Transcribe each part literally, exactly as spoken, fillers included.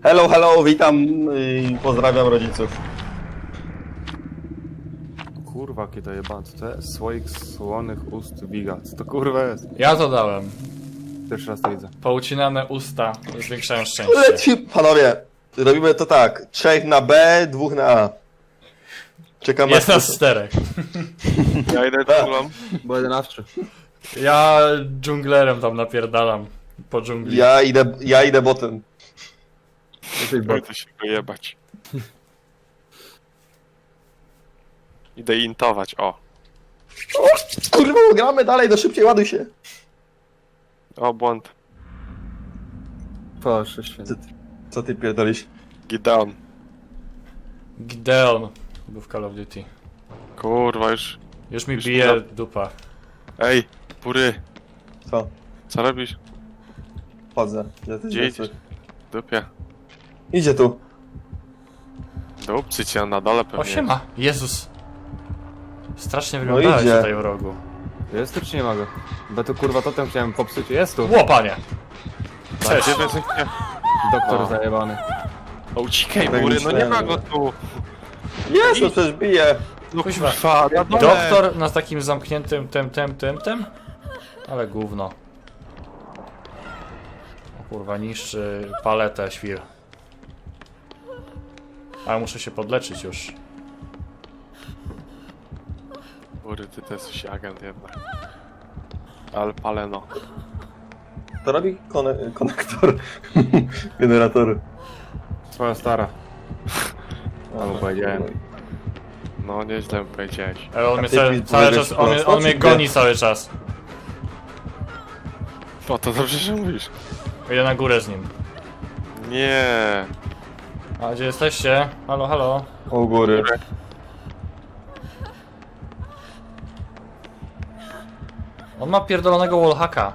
Hello, hello, witam i pozdrawiam rodziców. Kurwa, jakie to jebane, co to jest? Słoik słonych ust Wiga. Co to kurwa jest? Ja to dałem. Pierwszy raz to widzę. Poucinane usta zwiększają szczęście. Leci, panowie, robimy to tak. Trzech na B, dwóch na A. Czekam Jest na... nas czterech. Ja idę dżunglą. Bo jedenawczy. Ja dżunglerem tam napierdalam po dżungli. Ja idę, ja idę botem. Będę się go jebać. Idę intować, o. O, kurwa, gramy dalej, no szybciej, ładuj się. O, błąd. Proszę święty. Co ty pierdolisz? Gideon. Gideon był w Call of Duty. Kurwa, już. Już mi Już bije mi dupa. Ej, pury. Co? Co robisz? Chodzę. Gdzie ty Gdzie idziesz? idziesz? Dupie. Idzie tu. Dupcy cię na dole pewnie. O, siema. Jezus. Strasznie No wyglądałeś idzie. tutaj w rogu. Jest tu czy nie ma go? Bo to kurwa totem chciałem popsuć. Jest tu! Ło, panie. Cześć. Gdzie wy jesteście? Doktor O. zajebany. O, uciekaj, bury, no nie ma go tu. Jest, no przecież bije. No Kuźwa. kurwa, na dole. Doktor na takim zamkniętym tym, tym, tym, tym? Ale gówno. O kurwa, niszczy paletę świr. Ale muszę się podleczyć już. Bury, ty to jesteś agent jednak. Ale paleno. To robi kone konektor generatoru. Twoja stara. Albo powiedziałem. No, nieźle mi powiedziałeś. Ale on A mnie ty cały, mi cały powiedziałeś czas, on, mnie- prosto, on czy mnie nie? goni cały czas. O, to dobrze, że mówisz. Idę na górę z nim. Nie. A gdzie jesteście? Halo, halo. U góry. On ma pierdolonego wallhacka.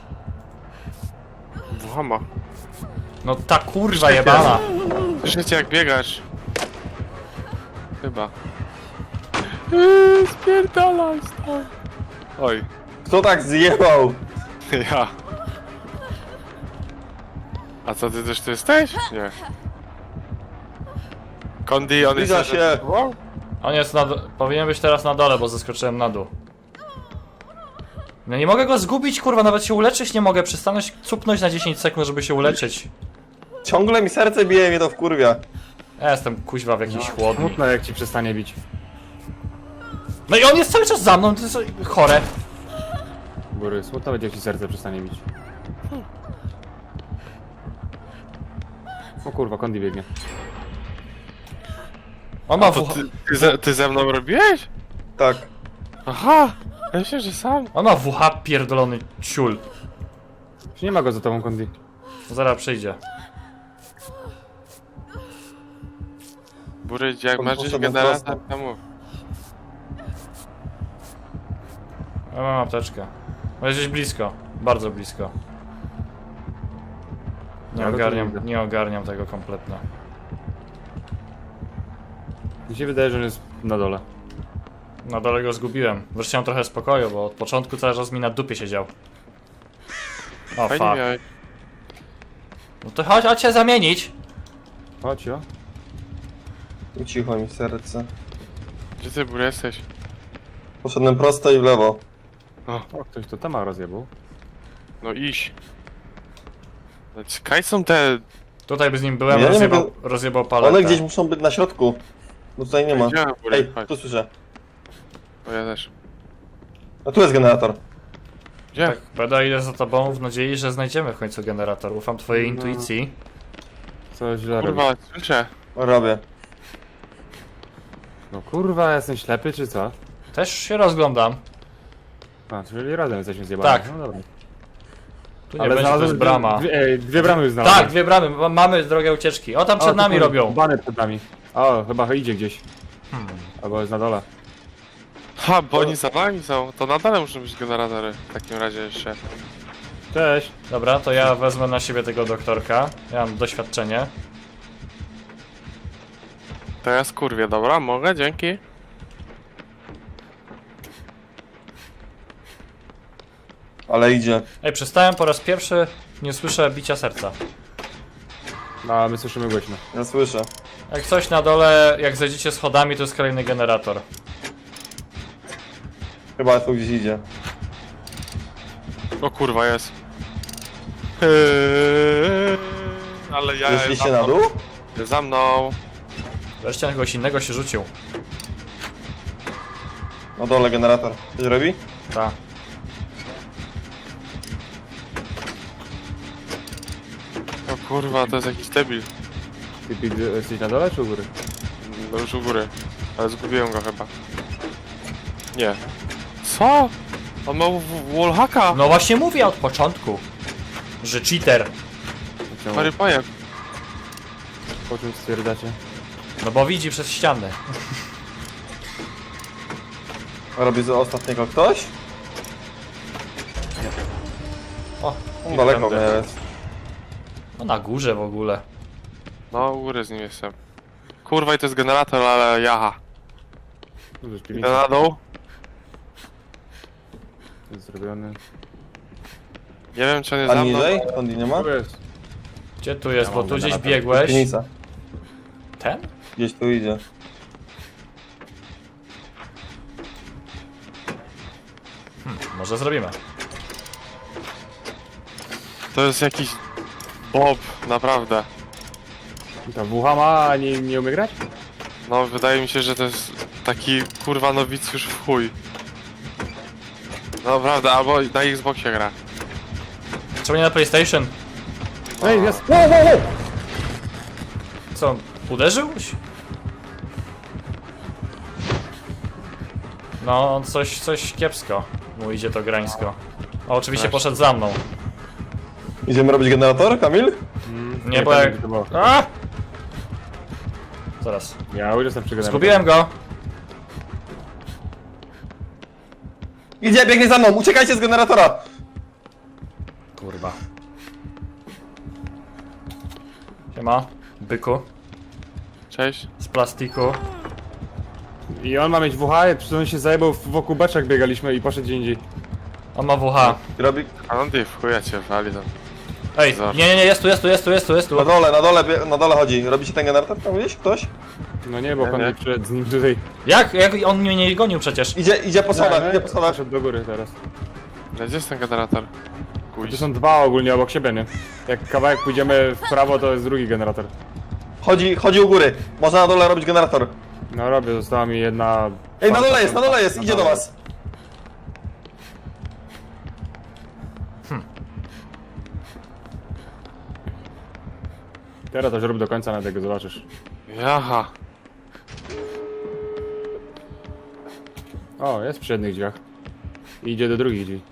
Włama. No ta kurwa jebana. Słyszycie jak biegasz? Chyba. Eee, spierdalaj stąd. Oj, Kto tak zjebał? ja. A co, ty też tu jesteś? Nie. Kondi, on jest... Zbliża się. On jest na... do- powinien być teraz na dole, bo zeskoczyłem na dół. No nie mogę go zgubić, kurwa, nawet się uleczyć nie mogę. Przestanąć cupnąć na dziesięć sekund, żeby się uleczyć. Ciągle mi serce bije, mnie to wkurwia. Ja jestem kuźwa w jakiejś chłodni. Smutno jak ci przestanie bić. No i on jest cały czas za mną, to jest chore. Bury, smutno będzie jak ci serce przestanie bić. O kurwa, Kondi biegnie. On ma To W H... ty, ty, ze, ty ze mną robiłeś? Tak. Aha! Ja myślę, że sam. On ma W H pierdolony ciul. Czy nie ma go za tobą, Kondi? Zaraz przyjdzie. Bury, jak On masz gdzieś poszedł generator, prosto. to mów. Ja mam apteczkę. No jest gdzieś blisko. Bardzo blisko. Nie Ja go tu ogarniam, widzę. nie ogarniam tego kompletnie. Mi się wydaje, że on jest na dole. Na dole go zgubiłem. Wreszcie mam trochę spokoju, bo od początku cały czas mi na dupie siedział. O Fajnie fuck. miałeś. No to chodź, chodź się zamienić. Chodź, jo. Ucichło mi serce. Gdzie ty, Bury, jesteś? Poszedłem prosto i w lewo. O, O, ktoś to tama rozjebał. no iść. No, Kaj są te... Tutaj by z nim byłem, Ja nie rozjebał, mogę- rozjebał paletę. One gdzieś muszą być na środku. Bo tutaj nie ma. Gdzie, Bury? Ej, Chodź. tu słyszę. O, ja też. A tu jest generator. Gdzie? Tak, będę idę za tobą w nadziei, że znajdziemy w końcu generator. Ufam twojej No. intuicji. Co źle robi. Kurwa, słyszę. Robię. No kurwa, jestem ślepy czy co? Też się rozglądam. A, czyli razem jesteśmy zjebani. Tak. No dobra. Tu nie będzie, to jest brama. Dwie, ej, dwie bramy już znalazłem. Tak, dwie bramy, ma- mamy drogę ucieczki. O, tam przed O, nami tu robią. Bany przed nami. O, chyba idzie gdzieś. Hmm. Albo jest na dole. Ha, bo oni za nami są. To na dole muszą być generatory. W takim razie jeszcze. Cześć. Dobra, to ja wezmę na siebie tego doktorka. Ja mam doświadczenie. To ja skurwię, dobra? Mogę? Dzięki. Ale idzie. Ej, przestałem po raz pierwszy, nie słyszę bicia serca. No, a my słyszymy głośno. Ja słyszę. Jak coś na dole, jak zejdziecie schodami, to jest kolejny generator. Chyba tu gdzieś idzie. O kurwa, jest. Eee, ale ja Zeszliście na dół? Za mną. Wreszcie na kogoś innego się rzucił. Na dole generator. Coś robi? Ta. O kurwa, to jest jakiś debil. Ty, ty, ty jesteś na dole czy u góry? No już u góry. Ale zgubiłem go chyba. Nie. Co? On ma w- w- wallhacka! No właśnie mówię od początku, że cheater. Czemu? Mary pajak. Po czym stwierdzacie? No bo widzi przez ściany. Robi z ostatniego ktoś? O, Daleko tędy. jest. No na górze w ogóle. No, u góry z nim jestem. Kurwa, i to jest generator, ale jaha. No, to jest Idę piwnica, na dół. jest zrobiony. Nie wiem, czy on jest A za mną. niżej? Stąd nie ma? Tu jest. Gdzie tu jest? Ja Bo mam tu gdzieś generator. biegłeś. Piwnica. Ten? Gdzieś tu idzie. Może zrobimy. To jest jakiś Bob, naprawdę. I ta wucha ma, a nie, nie umie grać? No, wydaje mi się, że to jest taki kurwa nowicjusz w chuj. Naprawdę, albo na Xboxie gra. Czemu nie na PlayStation? Ej, jest! Wow, wow, wow! Co, on uderzył? No, coś, coś kiepsko. Mu idzie to grańsko. O, oczywiście Właśnie. poszedł za mną. Idziemy robić generator, Kamil? Nie, bo jak... To było. A! Zaraz. Ja już jestem przy generatorze. Zgubiłem go! Idzie, biegnie za mną, uciekajcie z generatora! Kurwa. Siema, byku. Cześć. Z plastiku. I on ma mieć W H, przecież on się zajebał wokół beczek biegaliśmy i poszedł gdzie indziej. On ma W H. Robi... A no ty w chuja cię wali tam. Ej, Zobacz. nie, nie, nie, jest tu, jest tu, jest tu, jest tu, jest tu. Na dole, na dole, bie- na dole chodzi. Robicie ten generator tam gdzieś? Ktoś? No nie, bo Nie, on nie. nie przyszedł z nim tutaj. Jak? Jak on mnie nie gonił przecież? Idzie, idzie po schodach, Nie, idzie po schodach. Poszedł do góry teraz. Gdzie jest ten generator? To Kuj. są dwa ogólnie obok siebie, nie? Jak kawałek pójdziemy w prawo, to jest drugi generator. Chodzi, chodzi u góry. Można na dole robić generator. No robię, została mi jedna... Ej, na dole jest, na dole jest, idzie do was. Teraz to rób do końca, na tego zobaczysz. Jaha. O, jest przy jednych drzwiach. I idzie do drugich drzwi.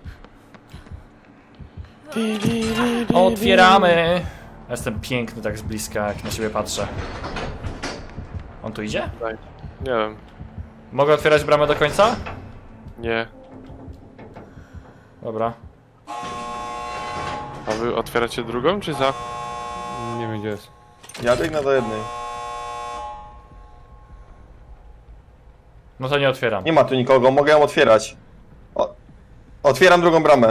Otwieramy! Jestem piękny tak z bliska, jak na siebie patrzę. On tu idzie? Daj. Nie wiem. Mogę otwierać bramę do końca? Nie. Dobra. A wy otwieracie drugą, czy za? Nie wiem gdzie jest. Ja biegnę do jednej. No to nie otwieram. Nie ma tu nikogo, mogę ją otwierać. O, otwieram drugą bramę.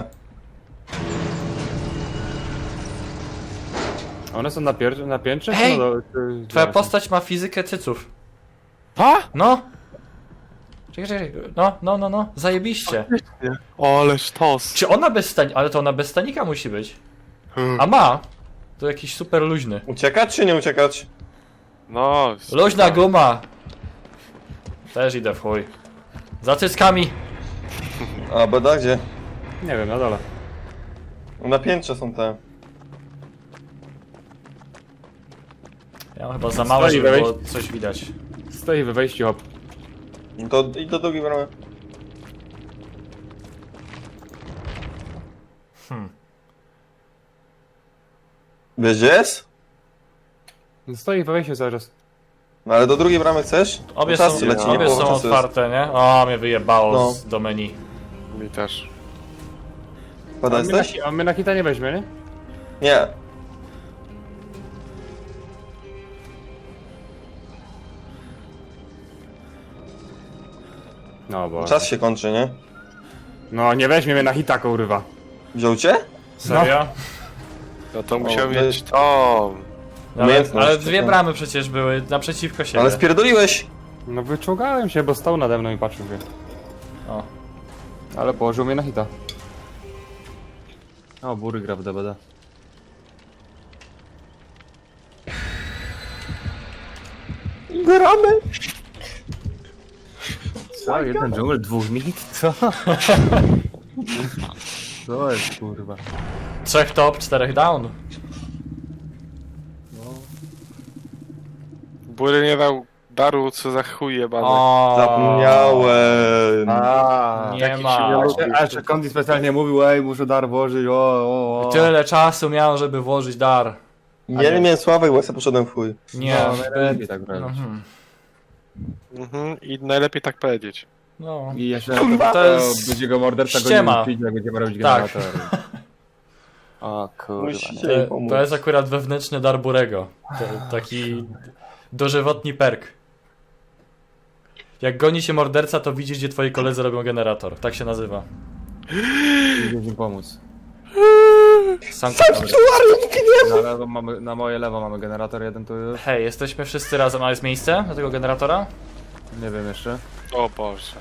One są na, pier- na piętrze? Ej! czy na dole, czy- Twoja czy- postać ma fizykę cyców. A? No! Czekaj, czekaj, no, no, no, no, zajebiście. O, ale sztos. Czy ona bez stanika, ale to ona bez stanika musi być. Hmm. A ma! To jakiś super luźny. Uciekać czy nie uciekać? No. Luźna guma! Też idę w chuj. Za cyckami! A, beda gdzie? Nie wiem, na dole. Na piętrze są te. Ja mam chyba za małe, Stoi, żeby weź. było coś widać. Stoi we wejściu, hop. No to idź do drugiej bramy. Hmm. Wiesz gdzie jest? Stoi we wejściu cały czas. No ale do drugiej bramy chcesz? Obie Czas są, leci, nie obie połowa są czasu jest. otwarte, nie? O, mnie wyjebało No. z do menu. Mi też. Beda A my, na, jesteś? a my na hita nie weźmie, nie? Nie. No bo... Czas się kończy, nie? No nie weźmie mnie na hita, kurwa. Wziął cię? Serio? No to musiał to mieć jest- tą. Ale, Umiejętność, ale dwie tak. bramy przecież były naprzeciwko siebie. Ale spierdoliłeś! No wyczułgałem się, bo stał nade mną i patrzył mnie. O. Ale położył mnie na hita. O, bury gra w D B D. Gramy! Co? Jeden dżungel, dwóch mit? Co? Co jest kurwa? Trzech top, czterech down. Bury nie dał daru, co za chuj jebany. O, Zapomniałem. A, Nie takich ma. się nie lubi. A jeszcze Kondi specjalnie mówił, ej, muszę dar włożyć, o, o, o. Tyle czasu miałem, żeby włożyć dar. Ja nie miałem Sławek, bo ja sobie poszedłem w chuj. Nie, No, najlepiej tak no, robić. hmm. Mhm, i najlepiej tak powiedzieć. no. I jeszcze Kurwa. to jest... będzie go morderca go Ściema. nie upić, jak będziemy robić Tak. generator. O kurwa. Musicie nie. jej To, pomóc. to jest akurat wewnętrzny dar Burego. To, taki dożywotni perk. Jak goni się morderca, to widzisz, gdzie twoi koledzy robią generator. Tak się nazywa. Idzie im pomóc. Sam Na, lewo mamy, na moje lewo mamy generator jeden tu już. Hej, jesteśmy wszyscy razem, a jest miejsce do tego generatora? Nie wiem jeszcze. O Boże.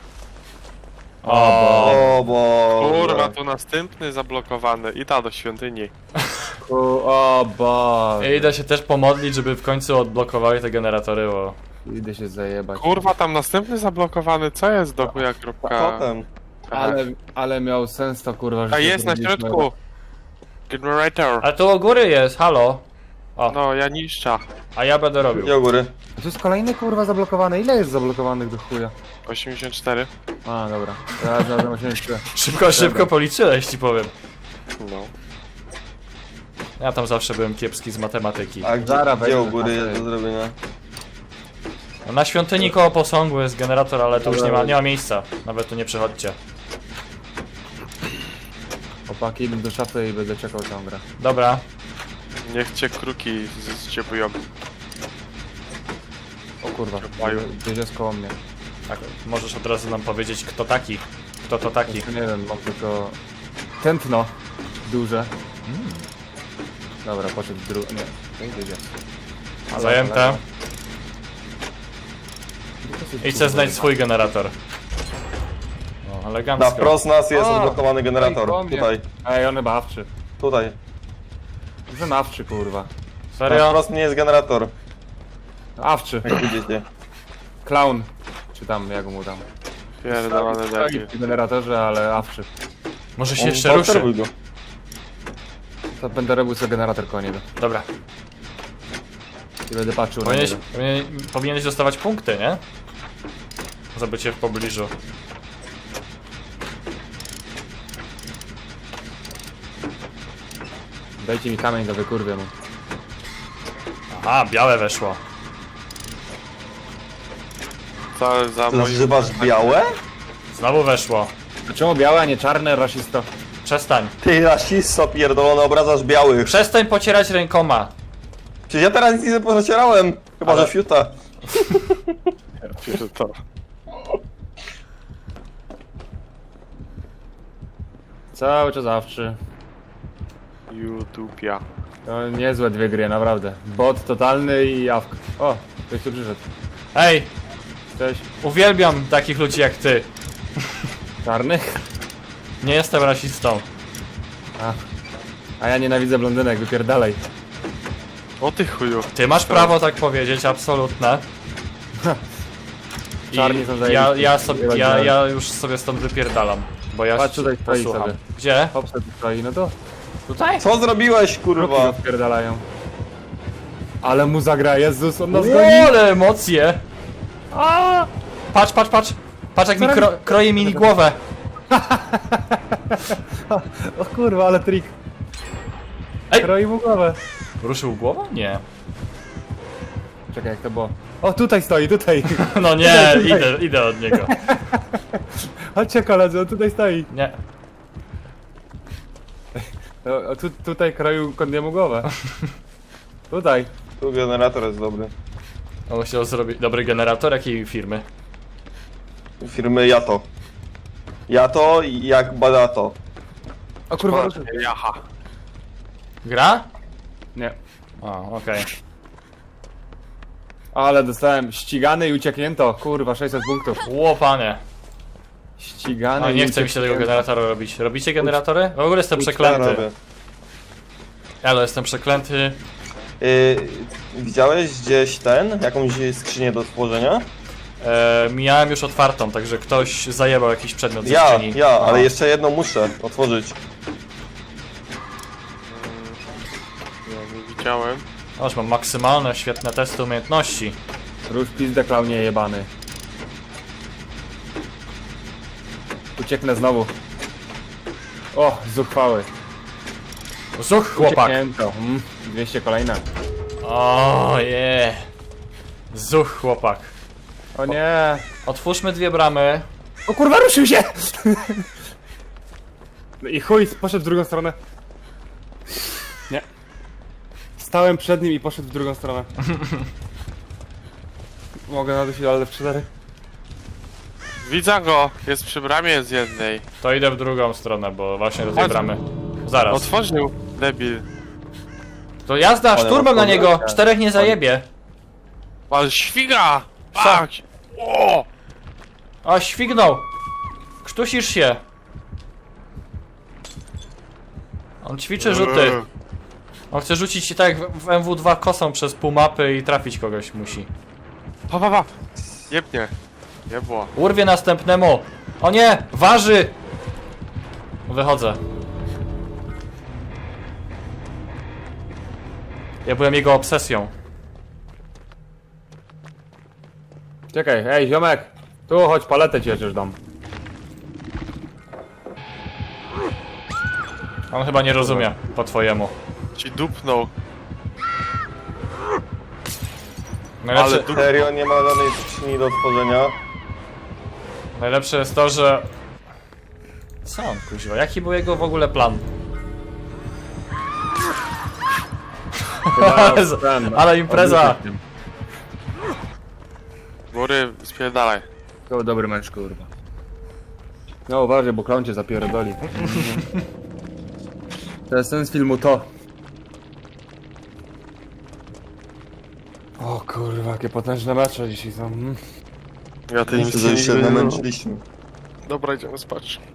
O, O bo. Kurwa, tu następny zablokowany. I ta do świątyni. Ku, o Boże. idę się też pomodlić, żeby w końcu odblokowały te generatory, bo... Idę się zajebać. Kurwa, tam następny zablokowany. Co jest do chuja kropka? Potem. Ale, ale miał sens to kurwa, że A się jest na zrobiliśmy. środku. Generator. Ale tu u góry jest, halo. O, No, ja niszcza. a ja będę robił. Nie u góry. To jest kolejny kurwa zablokowany. Ile jest zablokowanych do chuja? osiemdziesiąt cztery. A dobra. Ja znalazłem osiemdziesiąt trzy. Szybko, szybko policzyłeś, ci powiem. No. Ja tam zawsze byłem kiepski z matematyki. A gdzie, Zaraz gdzie wejdę u góry na jest do zrobienia? No, na świątyni koło posągu jest generator, ale tu już nie ma, nie ma miejsca. Nawet tu nie przychodźcie. Chłopaki, idę do szafy i będę czekał całą grę. Dobra. Niech cię kruki zciepują. O kurwa, Maju. gdzieś jest koło mnie. Tak, możesz od razu nam powiedzieć, kto taki. Kto to taki. Jeszcze nie wiem, mam tylko... Tętno. Duże. Dobra, poszedł drugi... Nie, to idzie. Zajęte. Idź se znajdź swój generator. O, Na elegancko. wprost nas jest O, odblokowany ej, generator. koło mnie. Tutaj, Ej, on chyba awczy. tutaj. Zanawczy kurwa. Na Serio? wprost nie jest generator, Awczy. jak widzicie. Clown. Czy tam, jak mu tam. Pierdolony Stoi debil. w generatorze, ale awczy. Może się On- jeszcze ruszy. obserwuj go. To będę robił sobie generator koło niego. Dobra. I będę patrzył Powinieneś, na niego. powinien- powinieneś dostawać punkty, nie? Za bycie w pobliżu. Dajcie mi kamień do wykurwie mu. Aha, białe weszło. Co za Ty moim... nazywasz białe? Znowu weszło. A czemu białe, a nie czarne, rasisto? Przestań. Ty rasisto pierdolony, obrazasz białych. Przestań pocierać rękoma. Przecież ja teraz nic nie pocierałem. Chyba, Ale- że fiuta. To. Cały czas awczy. YouTubia. To niezłe dwie gry, naprawdę. Bot totalny i awk. O, ktoś tu przyszedł. Ej, Cześć. uwielbiam takich ludzi jak ty. Czarnych? Nie jestem rasistą. A. A ja nienawidzę blondynek, wypierdalaj. O ty chuju. Ty masz prawo tak powiedzieć, absolutne. I Czarni są ja, zajebiści. ja, sobie, ja, ja już sobie stąd wypierdalam. Bo ja Patrz, się tutaj stoi posłucham. sobie. Gdzie? Hopsa tu stoi, no to Tutaj? Co zrobiłeś, kropki go kurwa? wpierdalają. Ale mu zagra, Jezus, on nas goni. Ło, ale emocje! A! Patrz, patrz, patrz! Patrz jak mi kro, kroje mi głowę! O kurwa, ale trik. Ej! Kroi mu głowę. Ruszył głową? Nie. Czekaj, jak to było? O, tutaj stoi, tutaj. No nie, idę, idę od niego. Chodźcie koledzy, on tutaj stoi. Nie. O, o, tu, tutaj kroił Kondiemu głowę. Tutaj. Tu generator jest dobry. On chciał zrobić dobry generator jakiej firmy? Firmy Jato. Jato i jak badato. O kurwa, Jaha. Gra? nie. O, okej. Ale dostałem ścigany i ucieknięto. Kurwa, sześćset punktów. Łopanie. Ścigany A i nie chce mi się tego ucieknięto. generatora robić. Robicie generatory? W ogóle jestem Ja przeklęty. robię. Ale jestem przeklęty. Yy, widziałeś gdzieś ten, jakąś skrzynię do stworzenia? E, miałem już otwartą, także ktoś zajebał jakiś przedmiot ze Ja, skrzyni. ja, No. ale jeszcze jedną muszę otworzyć. Ja nie widziałem. Aż mam maksymalne, świetne testy umiejętności. Rusz pizdę, klaunie jebany. Ucieknę znowu. O, zuchwały. Zuch, chłopak! Ucieknięto. Mm, dwieście kolejne. O je. Zuch, chłopak. O nie. Otwórzmy dwie bramy. O kurwa, ruszył się! No i chuj, poszedł w drugą stronę. Nie. Stałem przed nim i poszedł w drugą stronę. Mogę nadusić, ale w cztery. Widzę go! Jest przy bramie z jednej. To idę w drugą stronę, bo właśnie do tej Chodź. bramy. Zaraz. Otworzył, debil. To jazda, Ale szturmem na otworzę? niego! Czterech nie zajebie. Ale świga! Tak! O! O, śwignął! Krztusisz się! On ćwiczy rzuty. On chce rzucić ci tak jak w w M W dwa kosą przez pół mapy i trafić kogoś musi. Pa, pa, pa! Jebnie. Jebło. Urwie następnemu! O nie! Waży! Wychodzę. Ja byłem jego obsesją. Czekaj, ej ziomek! Tu chodź, paletę ci chociaż dam. On chyba nie rozumie, po twojemu. Ci dupnął. Najlepsze, Ale du... Serio, nie ma żadnej skrzyni do otworzenia. najlepsze jest to, że... Co on, kuźwa? Jaki był jego w ogóle plan? Chyba Jezu, ten, ale impreza. obrócić tym. Góry, spierdalaj. To dobry mecz, kurwa. No uważaj, bo klon cię zapierdoli. To jest sens filmu to. O kurwa, jakie potężne mecze dzisiaj są. Mm. Ja tej Myślę, że misji się nigdy nie... namęczyliśmy. Dobra, idziemy spać.